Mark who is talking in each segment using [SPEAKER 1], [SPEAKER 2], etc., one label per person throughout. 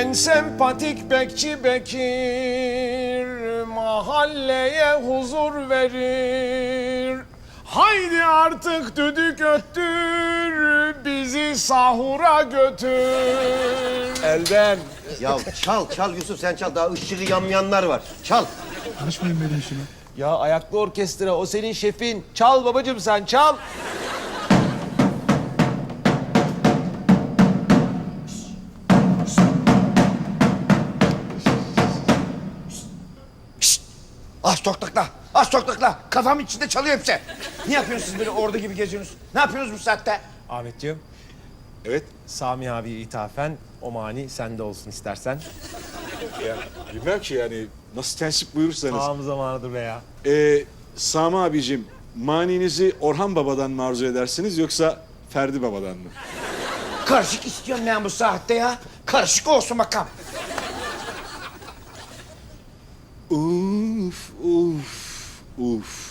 [SPEAKER 1] En sempatik bekçi Bekir mahalleye huzur verir. Haydi artık düdük öttür, bizi sahura götür.
[SPEAKER 2] Elden.
[SPEAKER 3] Ya çal Yusuf, sen çal. Daha ışığı yanmayanlar var. Çal.
[SPEAKER 4] Karışmayın benim işime.
[SPEAKER 2] Ya ayaklı orkestra, o senin şefin. Çal babacığım, sen çal.
[SPEAKER 3] Az toktakla. Az toktakla. Kafam içinde çalıyor hepsi. Ne yapıyorsunuz siz böyle ordu gibi geziyorsunuz? Ne yapıyorsunuz bu saatte?
[SPEAKER 1] Ahmetciğim,
[SPEAKER 2] Evet.
[SPEAKER 1] Sami abi ithafen o mani sende olsun istersen.
[SPEAKER 4] Ya bilmem ki yani nasıl tensip buyurursanız.
[SPEAKER 1] Tam zamanıdır be ya.
[SPEAKER 4] Sami abicim, maninizi Orhan Baba'dan mı arzu edersiniz yoksa Ferdi Baba'dan mı?
[SPEAKER 3] Karışık istiyorum ben bu saatte ya. Karışık olsun bakalım.
[SPEAKER 4] Uf, uf, uf.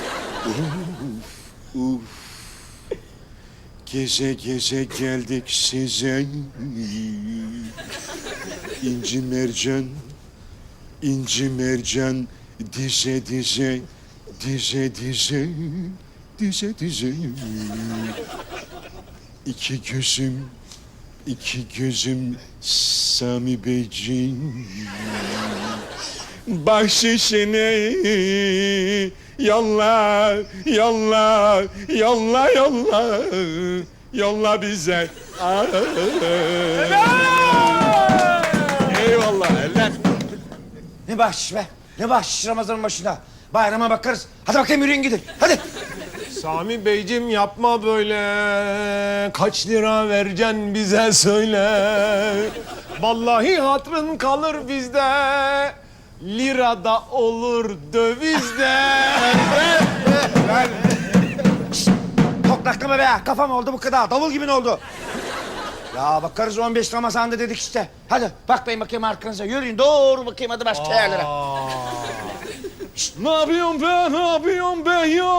[SPEAKER 4] Uf. Gece gece geldik size. İnci mercan, inci mercan, dize dize, dize dize, dize dize. İki gözüm Sami Beyciğim. Bahşişini yolla, yolla, yolla, yolla, yolla bize. Eyvallah, eller.
[SPEAKER 3] Ne bahşiş be? Ne bahşiş Ramazan'ın başında? Bayrama bakarız. Hadi bakayım yürüyün gidin. Hadi.
[SPEAKER 1] Sami Beyciğim yapma böyle. Kaç lira vereceksin bize söyle. Vallahi hatrın kalır bizde. Lirada olur dövizde.
[SPEAKER 3] Toklaklama be. Kafam oldu bu kadar. Davul gibi ne oldu? Ya bakarız 15 Ramazan'da dedik işte. Hadi bakmayın bakayım arkanıza. Yürüyün doğru bakayım hadi başka yerlere.
[SPEAKER 4] Ne yapıyorsun be, ne yapıyorsun be ya?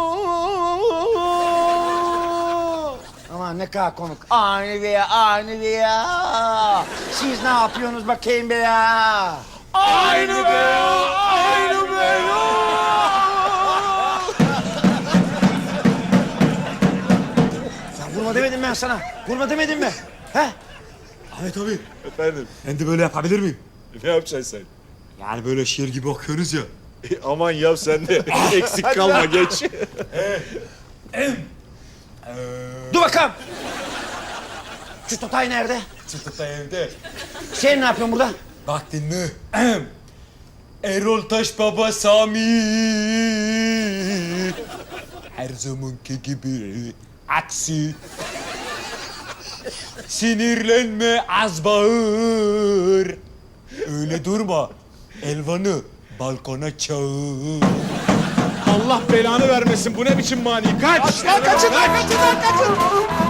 [SPEAKER 3] Aman ne kadar komik. Aynı be ya, aynı be ya. Siz ne yapıyorsunuz bakayım be ya?
[SPEAKER 1] Aynı be ya, aynı be ya.
[SPEAKER 3] Sen vurma demedim ben sana. Vurma demedim mi? He?
[SPEAKER 5] Ahmet abi,
[SPEAKER 4] Efendim,
[SPEAKER 5] ben de böyle yapabilir miyim?
[SPEAKER 4] ne yapacaksın sen?
[SPEAKER 5] Yani böyle şiir gibi okuyoruz ya.
[SPEAKER 4] Aman yap sen de eksik kalma geç.
[SPEAKER 3] Dur bakalım. Şu Totay nerede?
[SPEAKER 5] Çıtıkta evde.
[SPEAKER 3] Sen ne yapıyorsun burada?
[SPEAKER 5] Bak dinle. Erol Taş Baba Sami. Her zamanki gibi aksi. Sinirlenme, az bağır. Öyle durma. Elvan'ı balkona çağır.
[SPEAKER 4] Allah belanı vermesin, bu ne biçim mani? Kaç!
[SPEAKER 1] Kaçın lan kaçın.